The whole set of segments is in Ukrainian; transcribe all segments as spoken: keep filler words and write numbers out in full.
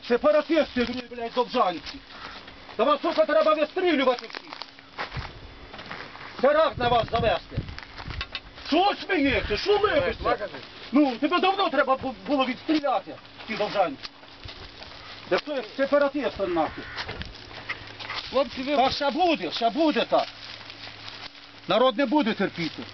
Сепаратисти, блядь, довжанці. Та вас, сука, треба вистрілювати всіх. Теракт на вас завести. Що смієте? Що липиться? Ну, тебе давно треба було відстріляти, ті довжанці. Де хто як сепаратиста нахуй. Хлопці, ви... Так ще буде, ще буде так. Народ не буде терпіти.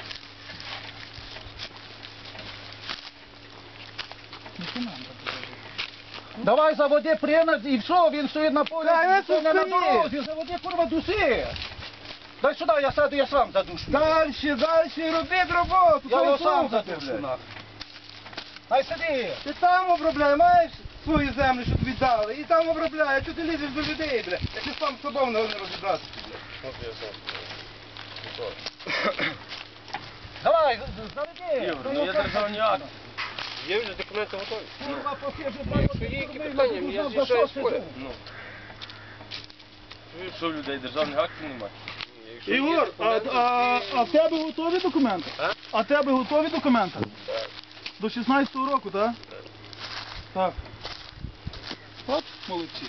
Давай заводи принад і все, він стоїть на полі, Та, він це не на стоїть. дорозі, заводи, курва, дуси. Дай сюди, я сяду, я сам задушу. Дальше, дальше, робіть роботу. Я його що сам слухати, задушу, блядь? нахуй. Дай сиди. Ти там обробляй, маєш свою землю, що тобі дали, і там обробляй, а чого ти лізеш до людей, бля? Я ти сам з собою не розібратися, бля. Давай, заведи. Ну, є державні акти. Є вже документи готові? Курва, покажи, Ну, якщо є які питання, я з'їжджаю з поля. Ну. Що в людей державних актів немає? Якщо є Ігор, а, документи, а, ти- а в тебе готові документи? А? А в тебе готові документи? Так. До шістнадцятого року, так? Так. Так. От, молодці.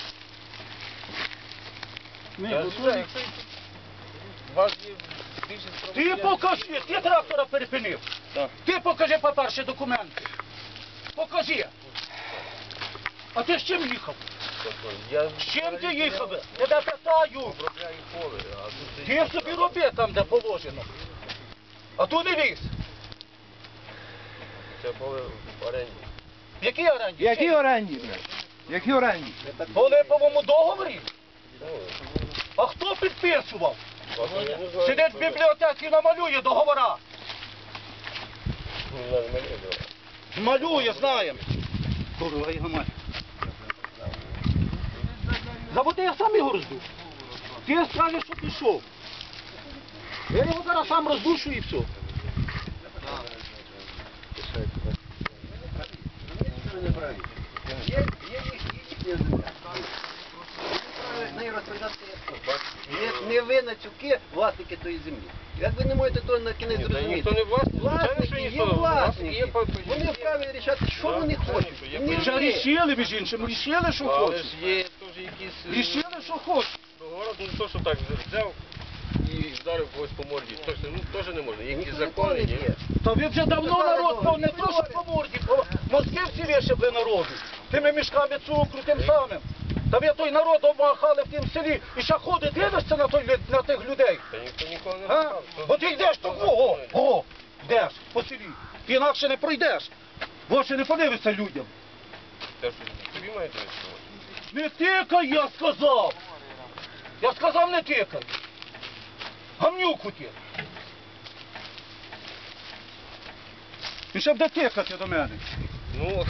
Ні, Я готові. з'їжджаю, якщо у вас є більше Ти покажи, ти трактора перепинив. Так. Ти покажи, по-перше, документи. Покажи. А ти з чим їхав? Я З чим ти їхав? Я тебе питаю. обробляю поле, а тут Ти собі роби там, де положено. А тут не лізь. це поле в оренді. В якій оренді? Які оренді, бля? Які оренді? По липовому договорі? Ну, А хто підписував? власне, я не знаю, Сидить в що- бібліотеці і намалює договора. Не знаю, мене давай. Малює, знаємо. Курва, його мать. Заводи, я сам його роздушу. Ти скажеш, що пішов. Я його зараз сам роздушу і все. Нею розповідати не, не ви нацюки власники тої землі. Як ви не можете то на кінець Ні, та зрозуміти? ніхто не власник, звичайно, що Власники, ніхто є не власник. власники. Є по- Вони вправі рішати, що Да, вони звичайно, хочуть. що є Не по- Вже ви. рішили, між іншим, рішили, що Але хочуть. ж є теж якісь... Рішили, що хочуть. Договори, ну то, що так взяв і вдарив когось по морді. Точно, ну теж не можна. Є якісь Ніхто закони, ніколи не ні? є. Та ви вже давно народ, по- не то, що по морді, по мозки всі вишибли народу. Тими мішками цукру, тим самим. Та ви той народ обмахали в тім селі і ще ходить, дивишся на, той, лю- на тих людей. Та ніхто ніколи не А? питав. Хто- От ти йдеш, то хто о, закони? о, йдеш по селі. Ти інакше не пройдеш. В очі не подивишся людям. Те, що тобі має дивитися. Не тикай, я сказав. Я сказав, не тикай. Гамнюку ти. І ще буде тикати до мене. Ну,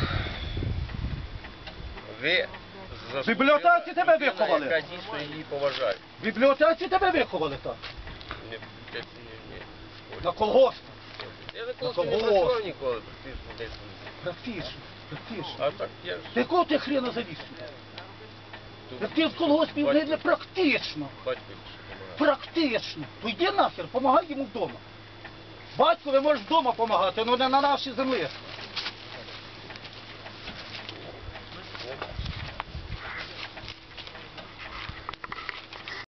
ви В бібліотеці тебе людина, виховали? яка дійсно її поважає. В бібліотеці тебе виховали так. Не, не, не, не. На колгосп. Я ніколи На не колгосп. працював ніколи, практично десь. Практично, практично. А так я ж... Ти кого ти хрена завіз сюди? тут Як ти в колгоспі батько- не практично. Батько допомагає. Практично. То йди нахер, помагай йому вдома. Батькові можеш вдома допомагати, але не на нашій землі.